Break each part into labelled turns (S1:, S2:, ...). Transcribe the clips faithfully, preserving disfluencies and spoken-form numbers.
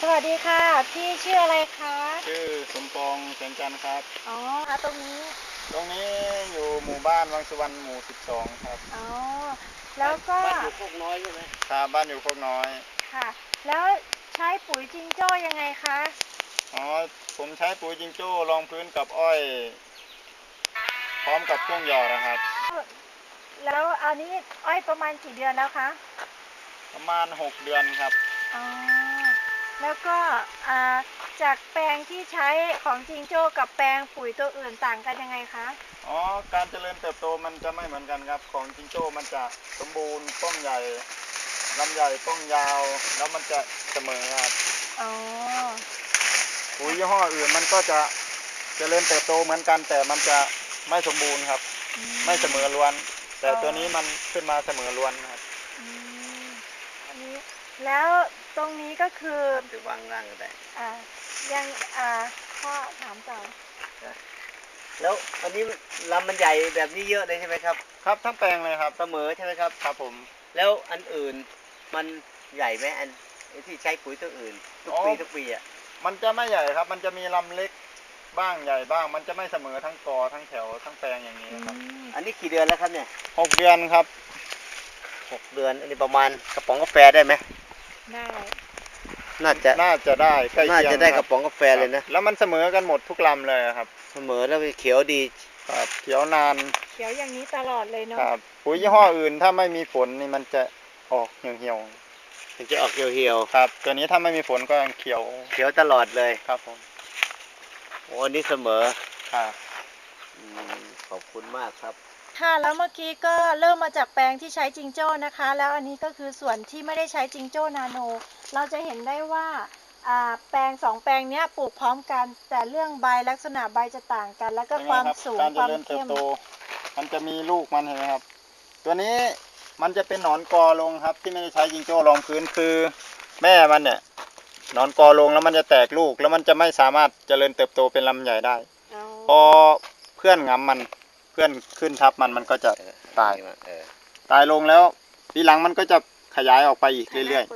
S1: สวัสดีค่ะพี่ชื่ออะไรคะ
S2: ชื่อสมปองแสงจันทร์ครับ
S1: อ๋อค่ะตรงนี้
S2: ตรงนี้อยู่หมู่บ้านวังสุวรรณหมู่สิบสองครับ
S1: อ๋อแล้วก็
S3: บ้านอยู่โคกน้อยใช่ไหม
S2: ครับบ้านอยู่โคกน้อย
S1: ค่ะแล้วใช้ปุ๋ยจิงโจ้ยังไงคะ
S2: อ๋อผมใช้ปุ๋ยจิงโจ้รองพื้นกับอ้อยพร้อมกับช่วงหยอดนะครับ
S1: แล้วอันนี้อ้อยประมาณกี่เดือนแล้วคะ
S2: ประมาณหกเดือนครับ
S1: อ๋อแล้วก็อ่าจากแปลงที่ใช้ของจิงโจ้กับแปลงปุ๋ยตัวอื่นต่างกันยังไงคะ
S2: อ๋อการเจริญเติบโตมันจะไม่เหมือนกันครับของจิงโจ้มันจะสมบูรณ์ต้นใหญ่ลำใหญ่ต้นยาวแล้วมันจะเสมอครับ
S1: อ๋อ
S2: ปุ๋ยยี่ห้ออื่นมันก็จะเจริญเติบโตเหมือนกันแต่มันจะไม่สมบูรณ์ครับไม่เสมอล้วนแต่ตัวนี้มันขึ้นมาเสมอล้วนครับ
S1: อันนี้แล้วตรงนี้ก็คือ
S3: จะวางร่างก็ได้
S1: อ่ายังอ่าพ่อถามต่อ
S3: แล้วอันนี้ลำมันใหญ่แบบนี้เยอะเลยใช่ไหมครับ
S2: ครับทั้งแปลงเลยครับ
S3: เสมอใช่ไหมครับ
S2: ครับผม
S3: แล้วอันอื่นมันใหญ่ไหมอันที่ใช้ปุ๋ยตัวอื่นทุกปีทุกปีอ่ะ
S2: มันจะไม่ใหญ่ครับมันจะมีลำเล็กบ้างใหญ่บ้างมันจะไม่เสมอทั้งกอทั้งแถวทั้งแปลงอย่างนี้ครับ
S3: อันนี้กี่เดือนแล้วครับเนี่ย
S2: หกเดือนครับ
S3: หกเดือนอันนี้ประมาณกระป๋องกาแฟได้ไหม
S1: ได้
S3: น่าจะ
S2: น่าจะได้ใกล้
S3: น่า
S2: เคียง
S3: จะได้กระป๋องกาแฟเลยนะ
S2: แล้วมันเสมอกันหมดทุกลำเลยครับ
S3: เสมอแล้วเขียวดี
S2: ครับเขียวนาน
S1: เขียวอย่างนี้ตลอดเลยเนาะ
S2: ครับปุ๋ยยี่ห้ออื่นถ้าไม่มีฝนนี่มันจะออกเหี่ยว
S3: ๆมันจะออกเหี่ยว
S2: ๆครับตัวนี้ถ้าไม่มีฝนก็ยังเขียว
S3: เขียวตลอดเลย
S2: ครับผม
S3: โอ้อันนี้เสมอ
S2: ครับ
S3: ขอบคุณมากครับ
S1: ค่ะแล้วเมื่อกี้ก็เริ่มมาจากแปลงที่ใช้จิงโจ้นะคะแล้วอันนี้ก็คือส่วนที่ไม่ได้ใช้จิงโจ้นาโนเราจะเห็นได้ว่าแปลงสองแปลงนี้ปลูกพร้อมกันแต่เรื่องใบลักษณะใบจะต่างกันแล้วก็ความสูงความเข้ม
S2: มันจะมีลูกมันเห็นไหมครับตัวนี้มันจะเป็นหนอนกอลงครับที่ไม่ได้ใช้จิงโจ้รองพื้นคือแม่มันเนี่ยหนอนกอลงแล้วมันจะแตกลูกแล้วมันจะไม่สามารถเจริญเติบโตเป็นลำใหญ่ได้พอเพื่อนงำมันเพื่อนขึ้นทับมันมันก็จะตายตายลงแล้วทีหลังมันก็จะขยายออกไปอีกเรื่อย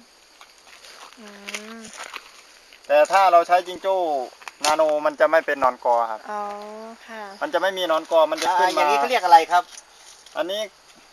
S2: ๆแต่ถ้าเราใช้จิงโจ้นาโนมันจะไม่เป็นหนอนกอครับ
S1: อ๋อค่ะ
S2: มันจะไม่มีหนอนกอมันจะขึ้นมา
S3: อย่างนี้เขาเรียกอะไรครับ
S2: อันนี้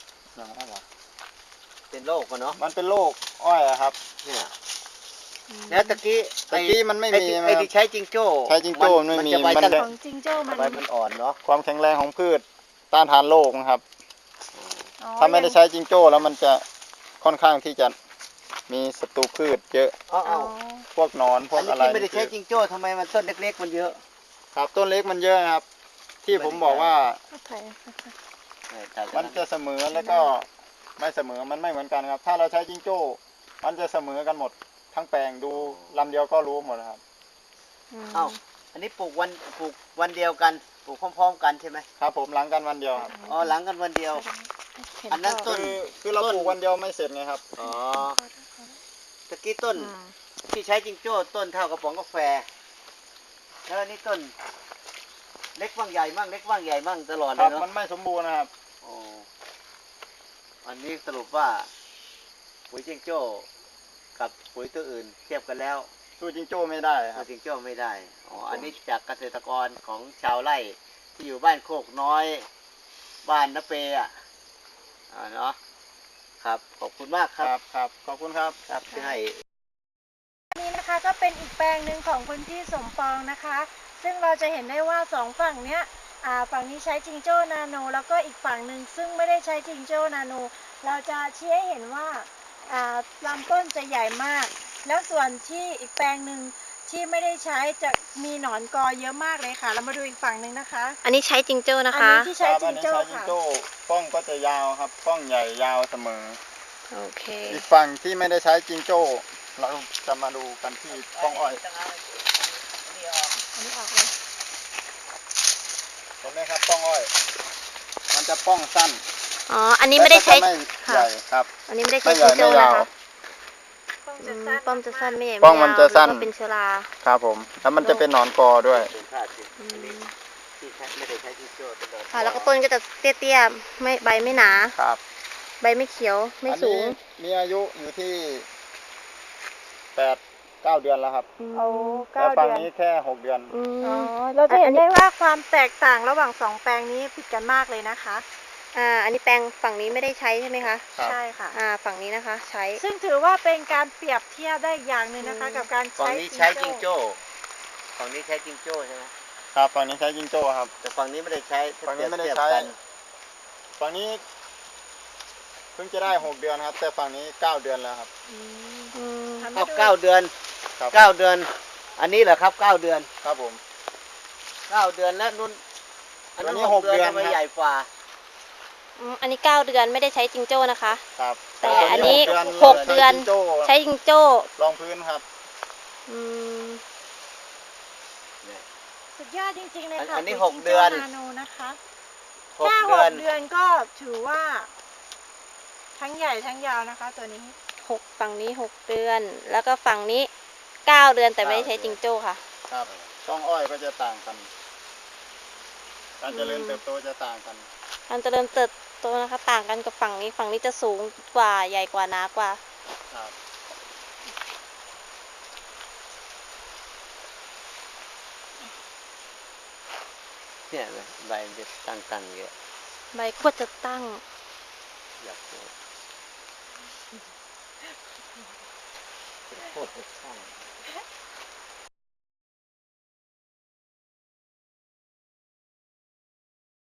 S3: เป็นโรคกันเนาะ
S2: มันเป็นโรคอ้อยครับ
S3: เนี่ยแล้วตะกี้
S2: ตะกี้มันไม่มี
S3: ไอ้ที่ใช้จิงโจ้
S2: ใช้จิงโจ้ไม่มี
S1: มันจะของจิงโจ้มัน
S3: ใบมันอ่อนเนาะ
S2: ความแข็งแรงของพืชต้านทานโรคนะครับถ้าไม่ได้ใช้จิงโจ้แล้วมันจะค่อนข้างที่จะมีศัตรูพืชเยอะพวกนอนพวกอะไร
S3: ไม่ได้ใช้จิงโจ้ทำไมมันต้นเล็กๆมันเยอะ
S2: ครับต้นเล็กมันเยอะครับที่ผมบอกว่ามันจะเสมอแล้วก็ไม่เสมอมันไม่เหมือนกันครับถ้าเราใช้จิงโจ้มันจะเสมอกันหมดทั้งแปลงดูลำเดียวก็รู้หมดครับ
S3: เอ้าอันนี้ปลูกวันปลูกวันเดียวกันปลูกพร้อมๆกันใช่ไหม
S2: ครับผมหลังกันวันเดียวครับ
S3: อ๋อหลังกันวันเดียวอันนั้นต้น
S2: คือเราปลูกวันเดียวไม่เสร็จไงครับ
S3: อ๋อตะกี้ต้นที่ใช้จิงโจ้ต้นเท่ากระป๋องกาแฟแล้วอันนี้ต้นเล็กบ้างใหญ่บ้างเล็กบ้างใหญ่บ้างตลอดเลยเนาะ
S2: มันไม่สมบูรณ์นะครับ
S3: อ๋ออันนี้สรุปว่าปุ๋ยจิงโจ้กับปุ๋ยตัวอื่นเทียบกันแล้ว
S2: สู้จิงโจ้ไม่ได้ครับ
S3: จิงโจ้ไม่ได้อ๋ออันนี้จากเกษตรกรของชาวไร่ที่อยู่บ้านโคกน้อยบ้านนาเปอ่ะอ่าเนาะครับขอบคุณมากครับ
S2: ครับขอบคุณครับ
S3: ครับที่ให้
S1: นี่นะคะก็เป็นอีกแปลงหนึ่งของคุณพี่สมปองนะคะซึ่งเราจะเห็นได้ว่าสองฝั่งเนี้ยอ่าฝั่งนี้ใช้จิงโจ้นาโนแล้วก็อีกฝั่งหนึ่งซึ่งไม่ได้ใช้จิงโจ้นาโนเราจะชี้ให้เห็นว่าลำต้นจะใหญ่มากแล้วส่วนที่อีกแปลงหนึ่งที่ไม่ได้ใช้จะมีหนอนกอเยอะมากเลยค่ะเรามาดูอีกฝั่งหนึ่งนะคะ
S4: อันนี้ใช้จิงโจ้นะคะ
S1: อันนี้ที่ใช้จิงโจ้ค่ะ
S2: ป้องก็จะยาวครับป้องใหญ่ยาวเสมอ
S4: โอเค
S2: อีกฝั่งที่ไม่ได้ใช้จิงโจ้เราจะมาดูกันที่ป้องอ้อย
S1: อันนี้ออกเลย
S2: เห็นไหมครับป้องอ้อยมันจะป้องสั้น
S4: อ๋ออันนี้ไม่ได้ใช้
S2: ใหญ่ครับ
S4: อันนี้ไม่ได้ใช้จิงโจ้นะคะป้อมจะสั้นไม่ใหญ่
S2: ป้องมันจะสั้น
S4: เป็นเชื้อรา
S2: ครับผมแล้วมันจะเป็นหนอนกอด้วย
S4: ค่ะแล้วก็ต้นก็จะเตี้ยๆไม่ใบไม่หนา
S2: ครับ
S4: ใบไม่เขียวไม่สูง
S2: มีอายุอยู่ที่แปดเก้าเดือนแล้วครับ
S1: เอา
S2: แต่
S1: เก้า
S2: ฝั่ง
S1: เดือน
S2: นี้แค่หกเดือน
S4: อืม
S1: อ๋อเราจะเห็
S4: อั
S1: น
S4: นนี้
S1: ได้ว่าความแตกต่างระหว่างสองแปลงนี้ผิดกันมากเลยนะคะ
S4: อ่า อันนี้แปลงฝั่งนี้ไม่ได้ใช้ใช่ไหมคะ
S2: ครับ
S1: ใช่ค่ะ
S4: อ่า ฝั่งนี้นะคะ ใช้
S1: ซึ่งถือว่าเป็นการเปรียบเทียบได้อย่างหนึ่งนะคะ
S4: อืม
S1: กับการ
S3: ฝั่ง
S1: ใช้
S3: นี้ใช้จิงโจ้ฝั่งนี้ใช้จิงโจ้ใช่ไหม
S2: ครับฝั่งนี้ใช้จิงโจ้ครับ
S3: แต่ฝั่งนี้ไม่ได้ใช้
S2: ฝั่งนี้ไม่ได้
S3: เทียบ
S2: ใช้
S3: กัน
S2: ฝั่งนี้เพิ่งจะได้หกเดือนครับ แต่ฝั่งนี้เก้าเดือนแล้วครับ
S1: อืม
S4: อืม
S1: ทำ
S3: ค
S1: ให้
S3: รับ
S1: ดู
S3: เก้าเดือน
S2: ครับ
S3: เก้าเดือน อันนี้เหรอครับเก้าเดือน
S2: ครับผม
S3: เก้าเดือนแล้วนุ่นอันนั้น
S2: อันนี้
S3: หกเดือน
S2: หกเดือน
S3: ทำไม
S2: ครับ
S3: ใหญ่กว่า
S4: อืมอันนี้เก้าเดือนไม่ได้ใช้จิงโจ้นะคะ
S2: ครับ
S4: แต่อันนี้
S2: ห
S4: ห
S2: ก
S4: ก
S2: เดื
S4: เดื
S2: อ
S4: อน น
S2: ใช้จิงโจ้
S4: ใช้จิงโจ้
S2: รองพื้นครับ
S4: อืม
S1: สุดยอดจริงๆเลย
S3: อัน
S1: ค่ะ
S3: อันนี้
S1: ปุ๋ย
S3: หก
S1: จิง
S3: เดื
S1: โจ้
S3: อน
S1: นาโนนะคะ
S3: หก
S1: แค่ห
S3: เดือก น
S1: เดือนก็ถือว่าทั้งใหญ่ทั้งยาวนะคะ ตัวนี้
S4: หกฝั่งนี้หกเดือน แล้วก็ฝั่งนี้เก้าเดือนแต่ไม่ได้ใช้จิงโจ้ค่ะ
S2: ครับช่องอ้อยก็จะต่างกัน การเจริญ
S4: อืม
S2: เติบโตจะต่างกัน
S4: การเจริญเติบโตนะคะ ต่างกันกับฝั่งนี้ ฝั่งนี้จะสูงกว่าใหญ่กว่าหนากว่า
S2: ครับ
S3: เนี่ยเลยใบมันจะตั้งๆเยอะ
S4: ใบก็จะตั้ง
S3: อยากพูดพูดจะช่าง